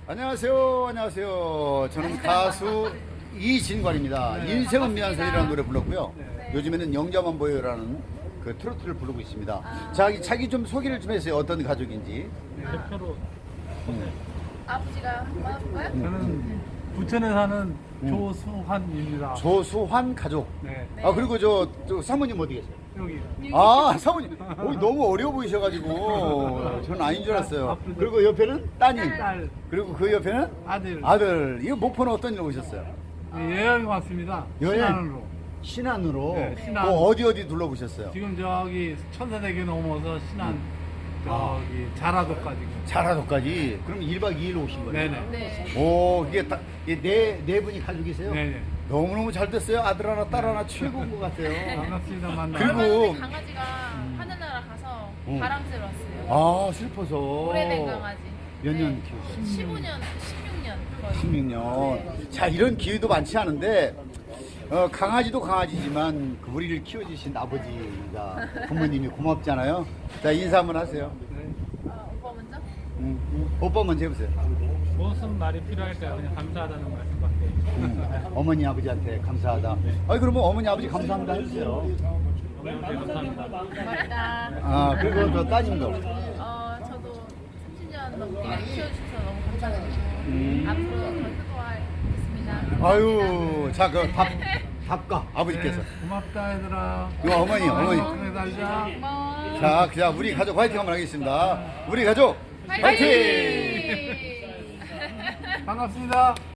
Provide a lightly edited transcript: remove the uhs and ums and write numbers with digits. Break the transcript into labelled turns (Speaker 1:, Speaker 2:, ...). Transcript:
Speaker 1: 안녕하세요. 안녕하세요. 저는 가수 이진관입니다. 인생은 미안성이라는 노래 불렀고요. 요즘에는 영자만 보여요라는 그 트로트를 부르고 있습니다. 자기 좀 소개를 좀 해주세요. 어떤 가족인지.
Speaker 2: 대표로
Speaker 3: 아버지가 한번 해볼까요?
Speaker 2: 저는 부천에 사는 조수환입니다.
Speaker 1: 조수환 가족.
Speaker 2: 네,
Speaker 1: 아 그리고 저 사모님 어디 계세요?
Speaker 2: 여기
Speaker 1: 아 사모님 너무 어려워 보이셔가지고 저는 아닌 줄 알았어요. 그리고 옆에는 따님.
Speaker 2: 딸,
Speaker 1: 그리고 그 옆에는
Speaker 2: 아들,
Speaker 1: 아들. 이거 목포는 어떤 일로 오셨어요?
Speaker 2: 여행 왔습니다.
Speaker 1: 여행?
Speaker 2: 신안으로.
Speaker 1: 신안으로.
Speaker 2: 네, 신안.
Speaker 1: 어디 둘러보셨어요?
Speaker 2: 지금 저기 천사대교 넘어서 신안 저기 자라도까지.
Speaker 1: 자라도까지. 그럼 1박 2일로 오신 거예요?
Speaker 2: 네네.
Speaker 3: 네.
Speaker 1: 오, 이게 네 분이 가족이세요?
Speaker 2: 네네.
Speaker 1: 너무너무 잘 됐어요. 아들 하나, 딸 하나 최고인 것 같아요.
Speaker 2: 반갑습니다. 만나.
Speaker 1: 그리고-
Speaker 3: 얼마 전에 강아지가 하늘나라 가서 바람 쐬러 왔어요.
Speaker 1: 아, 슬퍼서.
Speaker 3: 오래된 강아지.
Speaker 1: 몇 년
Speaker 3: 네.
Speaker 1: 키우셨어요?
Speaker 3: 15년, 16년 거의.
Speaker 1: 16년. 자, 이런 기회도 많지 않은데, 강아지도 강아지지만 그 우리를 키워주신 아버지가 부모님이 고맙잖아요. 자, 인사 한번 하세요.
Speaker 3: 오빠 먼저?
Speaker 1: 오빠 먼저 해보세요.
Speaker 2: 무슨 말이 필요할까요? 그냥 감사하다는 말씀밖에.
Speaker 1: 어머니, 아버지한테 감사하다. 아니, 그러면 어머니, 아버지 감사합니다 해주세요.
Speaker 2: 어머니한테 감사합니다.
Speaker 3: 고맙다.
Speaker 1: 아, 그리고 저 따님도.
Speaker 3: 저도 30년 넘게 키워주셔서 너무 감사드리고 앞으로 더 효도하겠습니다.
Speaker 1: 아유, 자, 그 답가 아버지께서.
Speaker 2: 네, 고맙다 얘들아.
Speaker 1: 이거 어머니.
Speaker 2: 건강하게 살자.
Speaker 3: 고마워.
Speaker 1: 자, 우리 가족 화이팅 한번 하겠습니다. 우리 가족 화이팅!
Speaker 2: 반갑습니다.